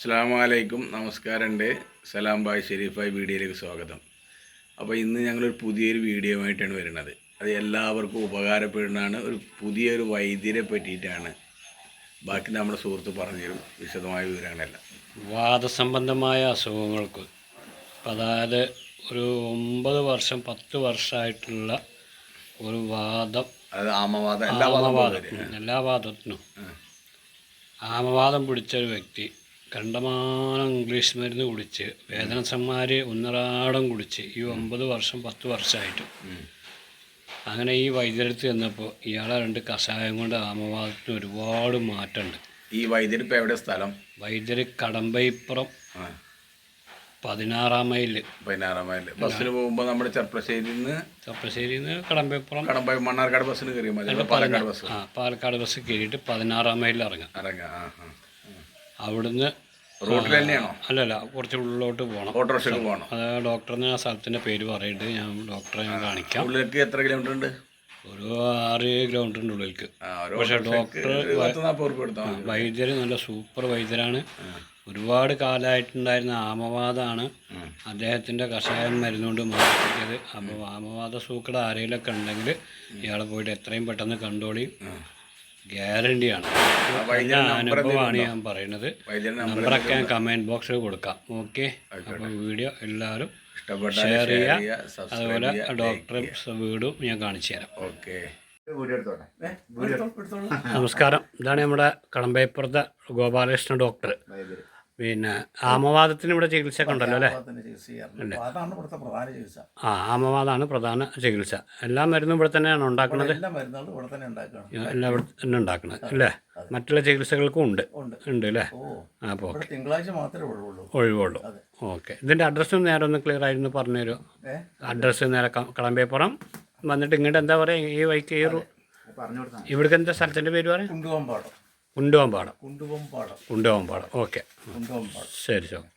അസ്സലാമലൈക്കും, നമസ്കാരമുണ്ട്. സലാം ബായ് ഷെരീഫായി വീഡിയോയിലേക്ക് സ്വാഗതം. അപ്പോൾ ഇന്ന് ഞങ്ങളൊരു പുതിയൊരു വീഡിയോ ആയിട്ടാണ് വരുന്നത്. അത് എല്ലാവർക്കും ഉപകാരപ്പെടുന്നതാണ്. ഒരു പുതിയൊരു വൈദ്യരെ പറ്റിയിട്ടാണ്. ബാക്കി നമ്മുടെ സുഹൃത്ത് പറഞ്ഞുതരും വിശദമായ വിവരങ്ങളെല്ലാം. വാദസംബന്ധമായ അസുഖങ്ങൾക്ക്, അതായത് ഒരു 9 വർഷം 10 വർഷമായിട്ടുള്ള ഒരു വാദം, അതായത് ആമവാദം, എല്ലാ വാദത്തിനും ആമവാദം പിടിച്ചൊരു വ്യക്തി കണ്ടമാനം ഇംഗ്ലീഷ് മരുന്ന് കുടിച്ച് വേദനസന്മാര് ഒന്നരാടം കുടിച്ച് ഈ 9 വർഷം 10 വർഷമായിട്ട് അങ്ങനെ ഈ വൈദ്യരടുത്ത് ചെന്നപ്പോൾ ഇയാളെ 2 കഷായം കൊണ്ട് ആമവാദത്തിന് ഒരുപാട് മാറ്റമുണ്ട്. ഈ വൈദ്യർ ഇപ്പോൾ എവിടെ സ്ഥലം? വൈദ്യർ കടമ്പയിപ്പുറം 16 മൈൽ. ബസ്സിന് പോകുമ്പോൾ നമ്മുടെ ചെർപ്പശ്ശേരിയിൽ നിന്ന് കടമ്പയിപ്പുറം മണ്ണാർക്കാട് ബസ്സിന് കയറിയാൽ മതി. പാലക്കാട് ബസ് കയറിയിട്ട് 16 മൈലിൽ ഇറങ്ങാം. അവിടുന്ന് റോഡിൽ തന്നെയാണോ? അല്ലല്ല, കുറച്ച് ഉള്ളിലോട്ട് പോകണം. ഓട്ടോറിക്ഷയ്ക്ക് പോകണം. അത് ഡോക്ടറിന് ആ സ്ഥലത്തിൻ്റെ പേര് പറയുന്നുണ്ട്. ഞാൻ ഡോക്ടറെ കാണിക്കാം. ഉള്ളിലേക്ക് എത്ര കിലോമീറ്റർ ഉണ്ട്? ഒരു 6 കിലോമീറ്ററിൻ്റെ ഉള്ളിലേക്ക്. പക്ഷേ ഡോക്ടർ വൈദ്യർ നല്ല സൂപ്പർ വൈദ്യരാണ്. ഒരുപാട് കാലമായിട്ടുണ്ടായിരുന്ന ആമവാദമാണ് അദ്ദേഹത്തിൻ്റെ കഷായം മരുന്നുകൊണ്ട് മാറ്റിയത്. അപ്പോൾ ആമവാദ സൂക്കട ആരെങ്കിലൊക്കെ ഉണ്ടെങ്കിൽ ഇയാളെ പോയിട്ട് എത്രയും പെട്ടെന്ന് കണ്ടോളി. ഗ്യാരണ്ടിയാണ്, അനുഭവമാണ് ഞാൻ പറയുന്നത്. നമ്പറൊക്കെ ഞാൻ കമൻറ്റ് ബോക്സിൽ കൊടുക്കാം. ഓക്കെ, അപ്പോൾ വീഡിയോ എല്ലാവരും ഷെയർ ചെയ്യുക. അതുപോലെ ഡോക്ടറെ വീടും ഞാൻ കാണിച്ചു തരാം. ഓക്കെ, നമസ്കാരം. ഇതാണ് നമ്മുടെ കടമ്പയപ്പുറത്തെ ഗോപാലകൃഷ്ണൻ ഡോക്ടർ. പിന്നെ ആമവാദത്തിന് ഇവിടെ ചികിത്സ ഒക്കെ ഉണ്ടല്ലോ അല്ലേ? ആമവാദമാണ് പ്രധാന ചികിത്സ. എല്ലാ മരുന്നും ഇവിടെ തന്നെയാണ് ഉണ്ടാക്കുന്നത്. എല്ലാം ഇവിടെ തന്നെ ഉണ്ടാക്കുന്നത് അല്ലേ? മറ്റുള്ള ചികിത്സകൾക്കും ഉണ്ട് അല്ലേ? അപ്പോൾ ഒഴിവുള്ളൂ. ഓക്കെ, ഇതിൻ്റെ അഡ്രസ്സും നേരെ ഒന്ന് ക്ലിയർ ആയിരുന്നു പറഞ്ഞു തരുമോ? അഡ്രസ്സ് നേരെ കടമ്പയപ്പുറം വന്നിട്ട് ഇങ്ങോട്ട് എന്താ പറയുക, ഈ വൈക്ക് ഇവിടേക്ക് എന്താ സ്ഥലത്തിൻ്റെ പേര് പറയാം? കുണ്ടുവമ്പാടം. ഓക്കെ, ശരി.